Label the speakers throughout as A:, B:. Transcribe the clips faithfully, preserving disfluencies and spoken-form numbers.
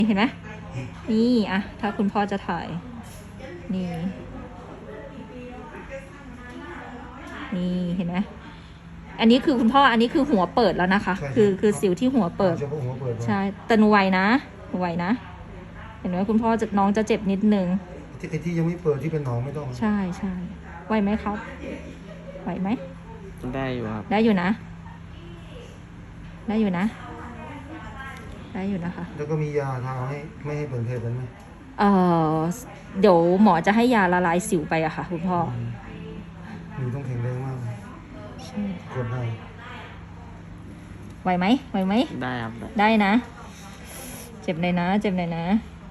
A: เห็นไหมนี่อะถ้าคุณพ่อจะถ่ายนี่นี่เห็นไหมอันนี้คือคุณพ่ออันนี้คือหัวเปิดแล้วนะคะ คือคือสิวที่หัวเปิดใช่แต่หนูไหวนะหนูไหวนะเห็นไหมคุณพ่อจะน้องจะเจ็บนิดนึง
B: ไอ้ที่ยังไม่เปิดที่เป็นหนองไม่ต้อง
A: ใช่ใช่ไหวไหมครับไหวไหม
C: ได้อยู่ครับ
A: ได้อยู่นะได้อยู่นะได้อยู่นะคะ
B: แล้วก็มียาทาให้ไม่ให้เปิดเพลกันไหม
A: เออเดี๋ยวหมอจะให้ยาละลายสิวไปอะค่ะคุณพ่อ
B: หนูต้องแข็งแรงมาก
A: ใช่
B: กดได้
A: ไหวไหมไหวไหม
C: ได้ครับ
A: ได้นะเจ็บเลยนะเจ็บเลยนะ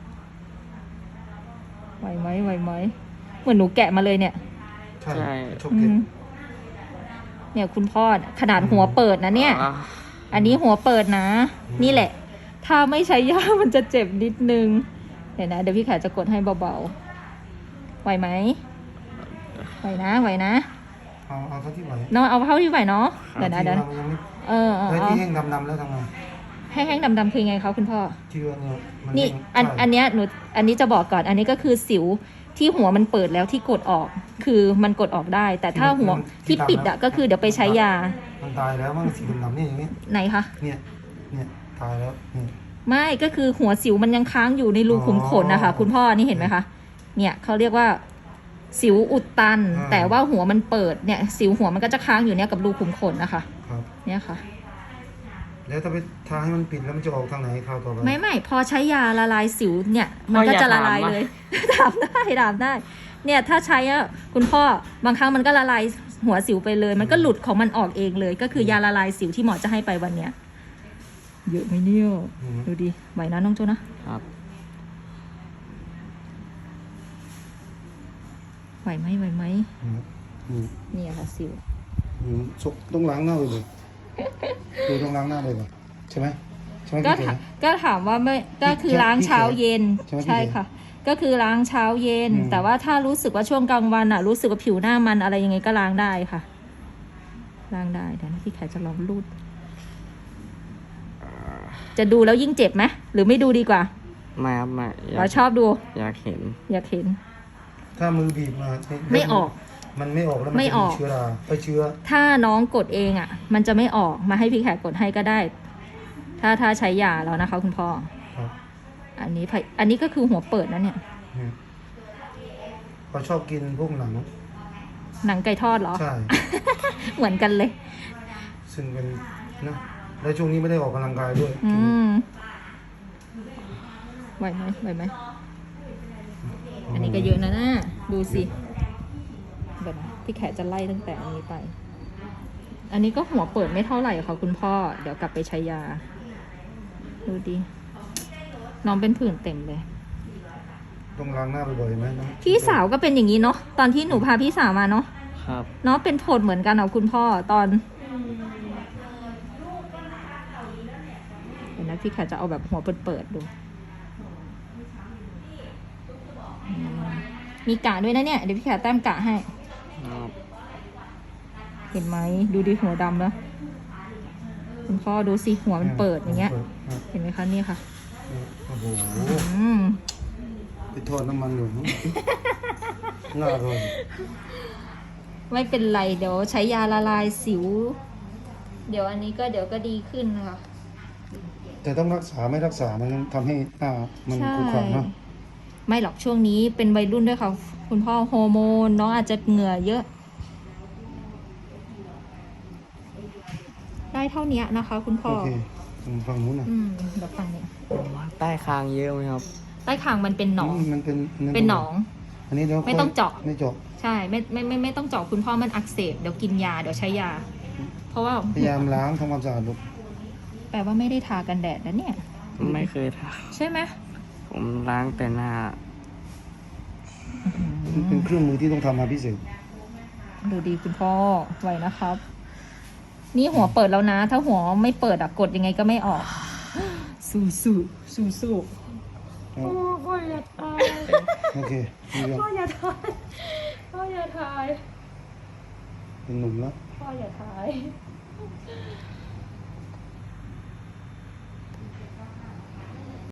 A: ไหวไหมไหวไหมเหมือนหนูแกะมาเลยเนี่ย
B: ใช่ชอบเก็บ
A: เนี่ยคุณพ่อขนาดหัวเปิดนะเนี่ยอันนี้หัวเปิดนะนี่แหละถ้าไม่ใช้ยามันจะเจ็บนิดนึงเดี๋ยวนะเดี๋ยวพี่แขกจะกดให้เบาๆไหวไหมไหวนะไหวนะ
B: เอาเอาเท่าที่ไหว
A: เนาะเอาเท่าที่ไหวเนาะเดี๋ยวนะเดี๋ยวเออเออ
B: แล้วที่แห้งดำๆแล้วทำไง
A: แห้งๆดำๆคือไงคะคุณพ่อ
B: ที่ว่าเนี่ย
A: นี่อันอันเนี้ยหนูอันนี้จะบอกก่อนอันนี้ก็คือสิวที่หัวมันเปิดแล้วที่กดออกคือมันกดออกได้แต่ถ้าหัวที่ปิดอะก็คือเดี๋ยวไปใช้ยา
B: มันตายแล้วมันสีดำๆนี่อย่างนี้
A: ไหนคะ
B: เนี่ยเนี่ยตายแล้วนี่
A: ไม่ก็คือหัวสิวมันยังค้างอยู่ในรูขุมขนนะคะคุณพ่อนี่เห็นไหมคะเนี่ยเขาเรียกว่าสิวอุดตันแต่ว่าหัวมันเปิดเนี่ยสิวหัวมันก็จะค้างอยู่เนี่ยกับรูขุมขนนะคะเนี่ยค่ะ
B: แล้วถ้าไปทาให้มันปิดแล้วมันจะออกทางไหนคราวต่อไป
A: ไม่ไม่พอใช้ยาละลายสิวเนี่ยมันก็จะละลายเลยถามได้ถามได้เนี่ยถ้าใช้อะคุณพ่อบางครั้งมันก็ละลายหัวสิวไปเลยมันก็หลุดของมันออกเองเลยก็คือยาละลายสิวที่หมอจะให้ไปวันเนี้ยเยอะไหมเนี่ยดูดิไหวนะน้องโจนะครับไหวไหมไหวไหมนี่ค่ะสิว
B: ต้องล้างหน้าเลยคือต้องล้างหน้าเลยป่ะใช่ไหมใช่ไหม
A: ก็ก็ถามว่าไม่ก็คือล้างเช้าเย็นใช่ค่ะก็คือล้างเช้าเย็นแต่ว่าถ้ารู้สึกว่าช่วงกลางวันอ่ะรู้สึกว่าผิวหน้ามันอะไรยังไงก็ล้างได้ค่ะล้างได้เดี๋ยวนะพี่แขกจะลองรูดจะดูแล้วยิ่งเจ็บไหมหรือไม่ดูดีกว่า
C: ไม่ครับไม่
A: เราชอบดู
C: อยากเห็น
A: อยากเห็น
B: ถ้ามือบีบมา
A: ไม่ออก
B: มันไม่ออกแล้วมันจะมีเชื้อราไปเชื้อ
A: ถ้าน้องกดเองอ่ะมันจะไม่ออกมาให้พี่แขกกดให้ก็ได้ถ้าถ้าใช้ยาแล้วนะคะคุณพ่ออันนี้อันนี้ก็คือหัวเปิดนะเนี่ย
B: เขาชอบกินพวกหนัง
A: หนังไก่ทอดเหรอ
B: ใช่
A: เหมือนกันเลย
B: ซึ่งเป็นนะแล้วช่วงนี้ไม่ได้ออกกำลังกายด้วย
A: อืมไหวไหมไหวไหมอันนี้ก็เยอะนะน่าดูสิแบบพี่แขกจะไล่ตั้งแต่อันนี้ไปอันนี้ก็หัวเปิดไม่เท่าไหร่ค่ะคุณพ่อเดี๋ยวกลับไปใช้ยาดูดิน้องเป็นผื่นเต็มเลย
B: ต้องล้างหน้าบ่อยๆไหม
A: พี่สาวก็เป็นอย่างนี้เนาะตอนที่หนูพาพี่สาวมาเนาะ
C: ครับ
A: เนาะเป็นผดเหมือนกันเอาคุณพ่อตอนเดี๋ยวนะพี่แขกจะเอาแบบหัวเปิดๆดูมีกะด้วยนะเนี่ยเดี๋ยวพี่แขกแต้มกะให้เห็นไหมดูดิหัวดำแล้วคุณพ่อดูสิหัวมันเปิดอย่างเงี้ยเห็นไหมคะนี่ค่ะ
B: โอ้โหไปทอดน้ำมันอยู่น่าอร่อย
A: ไม่เป็นไรเดี๋ยวใช้ยาละลายสิวเดี๋ยวอันนี้ก็เดี๋ยวก็ดีขึ้นนะคะ
B: แต่ต้องรักษาไม่รักษามันทำให้หน้ามันขุ่นขวางเนาะ
A: ไม่หรอกช่วงนี้เป็นวัยรุ่นด้วยค่ะคุณพ่อฮอร์โมนน้องอาจจะเหงื่อเยอะได้เท่านี้นะคะคุณพ่อ
B: โอเคฝั่งนู้นนะ
A: อืมเดี๋ยวฝั่งนี้
C: ใต้คางเยอะไหมครับ
A: ใต้คางมันเป็นหนอง
B: มันเป็น
A: เป็นหนอง
B: อันนี้เดี๋ยว
A: ไม่ต้องเจาะ
B: ไม่เจาะ
A: ใช่ไม่ไม่ไม่ไม่ต้องเจาะคุณพ่อมันอักเสบเดี๋ยวกินยาเดี๋ยวใช้ยาเพราะว่า
B: พยายามล้างทำความสะอาดลูก
A: แปลว่าไม่ได้ทากันแดดนะเนี่ย
C: ไม่เคยทา
A: ใช่ไหม
C: ผมล้างแต่หน้า
B: เป็นเครื่องมือที่ต้องทำมาพิเศษ
A: ดูดีคุณพ่อไหวนะครับนี่หัวเปิดแล้วนะถ้าหัวไม่เปิดอะกดยังไงก็ไม่ออกสู้สู้สู้สู้โอ้พ่ออย่าทาย
B: โอเค
A: พ่ออย่าทายพ่ออย่าทาย
B: เป็นหนุ่มแล้ว
A: พ่ออย่าทาย